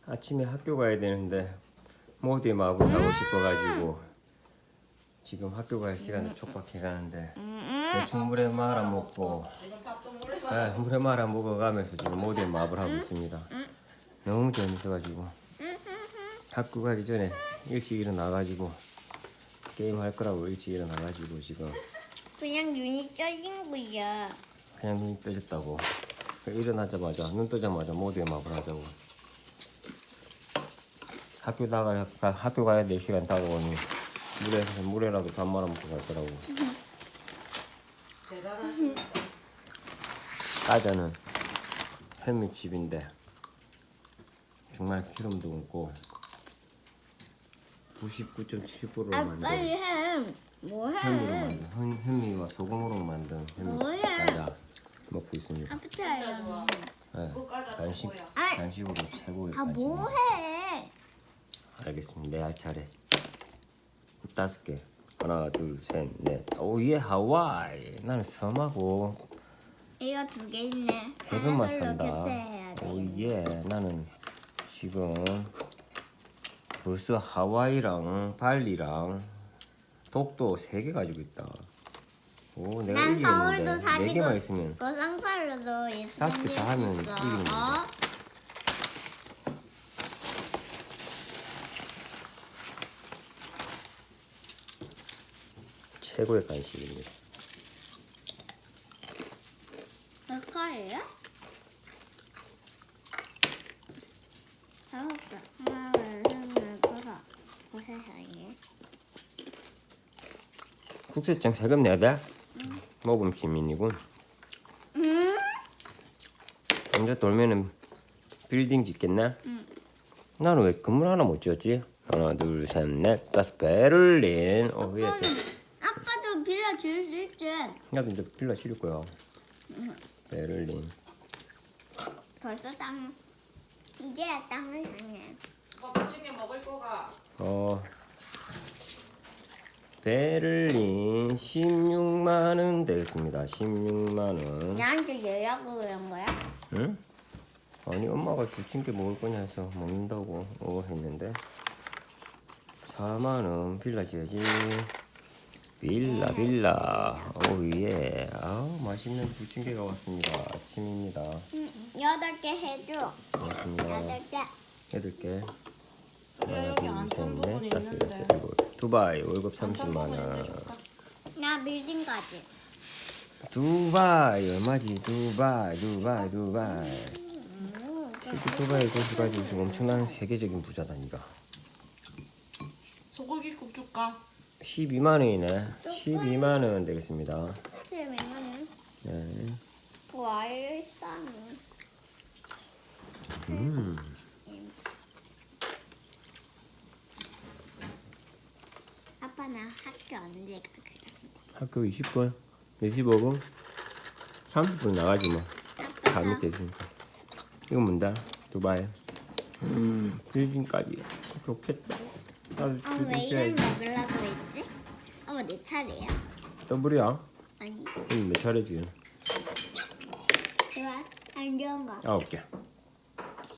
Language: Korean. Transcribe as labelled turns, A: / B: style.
A: 아침에 학교 가야 되는데 모두의 마법을 하고 싶어가지고 지금 학교 갈 시간에 촉박해 가는데 대충 물에 말아 먹고 물에 말아 먹어가면서 지금 모두의 마법을 하고 있습니다. 너무 재밌어가지고 학교 가기 전에 일찍 일어나가지고 게임 할 거라고 일찍 일어나가지고 지금
B: 그냥 눈이 떠진 거야.
A: 그냥 눈이 떠졌다고. 일어나자마자 눈 뜨자마자 모두의 마법을 하자고. 학교 가야 될 시간 다가오니 물에라도 밥 말아 먹고 갈 거라고. 따자는 햄미집인데 정말 기름도 없고 99.7%로
B: 아
A: 만든
B: 빨리 해. 뭐 해?
A: 햄미와 소금으로 만든 햄미
B: 뭐해?
A: 따자 먹고 있습니다.
B: 아프트 알아.
A: 네, 간식으로 최고의
B: 아
A: 간식.
B: 뭐 해?
A: 알겠습니다. 내 할 차례. 5개. 하나, 둘, 셋, 넷. 오예 하와이. 나는 섬하고
B: 이거 2개 있네.
A: 해변만
B: 하나
A: 산다.
B: 교체해야 돼.
A: 오예. 나는 지금 벌써 하와이랑 발리랑 독도 3개 가지고 있다. 오, 내가
B: 난 서울도
A: 이기겠는데.
B: 사지고
A: 4개만 있으면
B: 그 쌍팔로도 있으면
A: 5개 다 하면
B: 있어.
A: 이기는 거지. 최고의 간식입니다.
B: 몇 거예요? 5개. 하나, 둘, 셋, 넷, 다섯. 세상에.
A: 국세청 세금 내야 돼? 모금 시민이군. 언제 돌면은 빌딩 짓겠네? 나는 왜 건물 하나 못 지었지? 하나, 둘, 셋, 넷, 다섯. 베를린. 위에 또.
B: 아빠도 빌려줄 수 있지.
A: 나도 이제 빌라 지을 거야. 베를린.
B: 벌써 땅. 이제 땅을 향해.
C: 부침개 먹을 거가.
A: 베를린 16만 원 되겠습니다. 16만 원.
B: 나한테 예약을 그런 거야?
A: 응? 아니 엄마가 부침개 먹을 거냐 해서 먹는다고 했는데 4만 원 빌라 지어야지. 빌라. 오예. 맛있는 부침개가 왔습니다. 아침입니다.
B: 8개 해줘.
A: 고맙습니다.
B: 8개.
A: 8개.
C: 소리야
A: 하나,
C: 여기
A: 둘,
C: 안
A: 셋,
C: 탄 부분
A: 넷, 다섯,
C: 있는데.
A: 여섯, 일곱. 두바이 월급
C: 안 탄
A: 30만
C: 부분 있는데
A: 원.
C: 줄까?
B: 나 빌딩까지.
A: 두바이 얼마지? 두바이. 실제 두바이 도시 가지고 지금 엄청난 세계적인 부자다 니가.
C: 소고기국 줄까?
A: 12만 원이네. 12만 원 되겠습니다.
B: 그러면은
A: 네.
B: 와이를 싸는. 아빠 나 학교 언제 가?
A: 학교 20분? 25분? 30분 나가지 뭐. 다
B: 아빠
A: 밑에 있으니까. 이건 뭔다? 두바이. 빌딩까지. 좋겠다. 나도
B: 왜
A: 빌딩
B: 이걸
A: 써야지.
B: 먹으려고 했지? 내 차례야?
A: 더블이야?
B: 아니
A: 내 차례지.
B: 좋아 안 좋은 거.
A: 9개.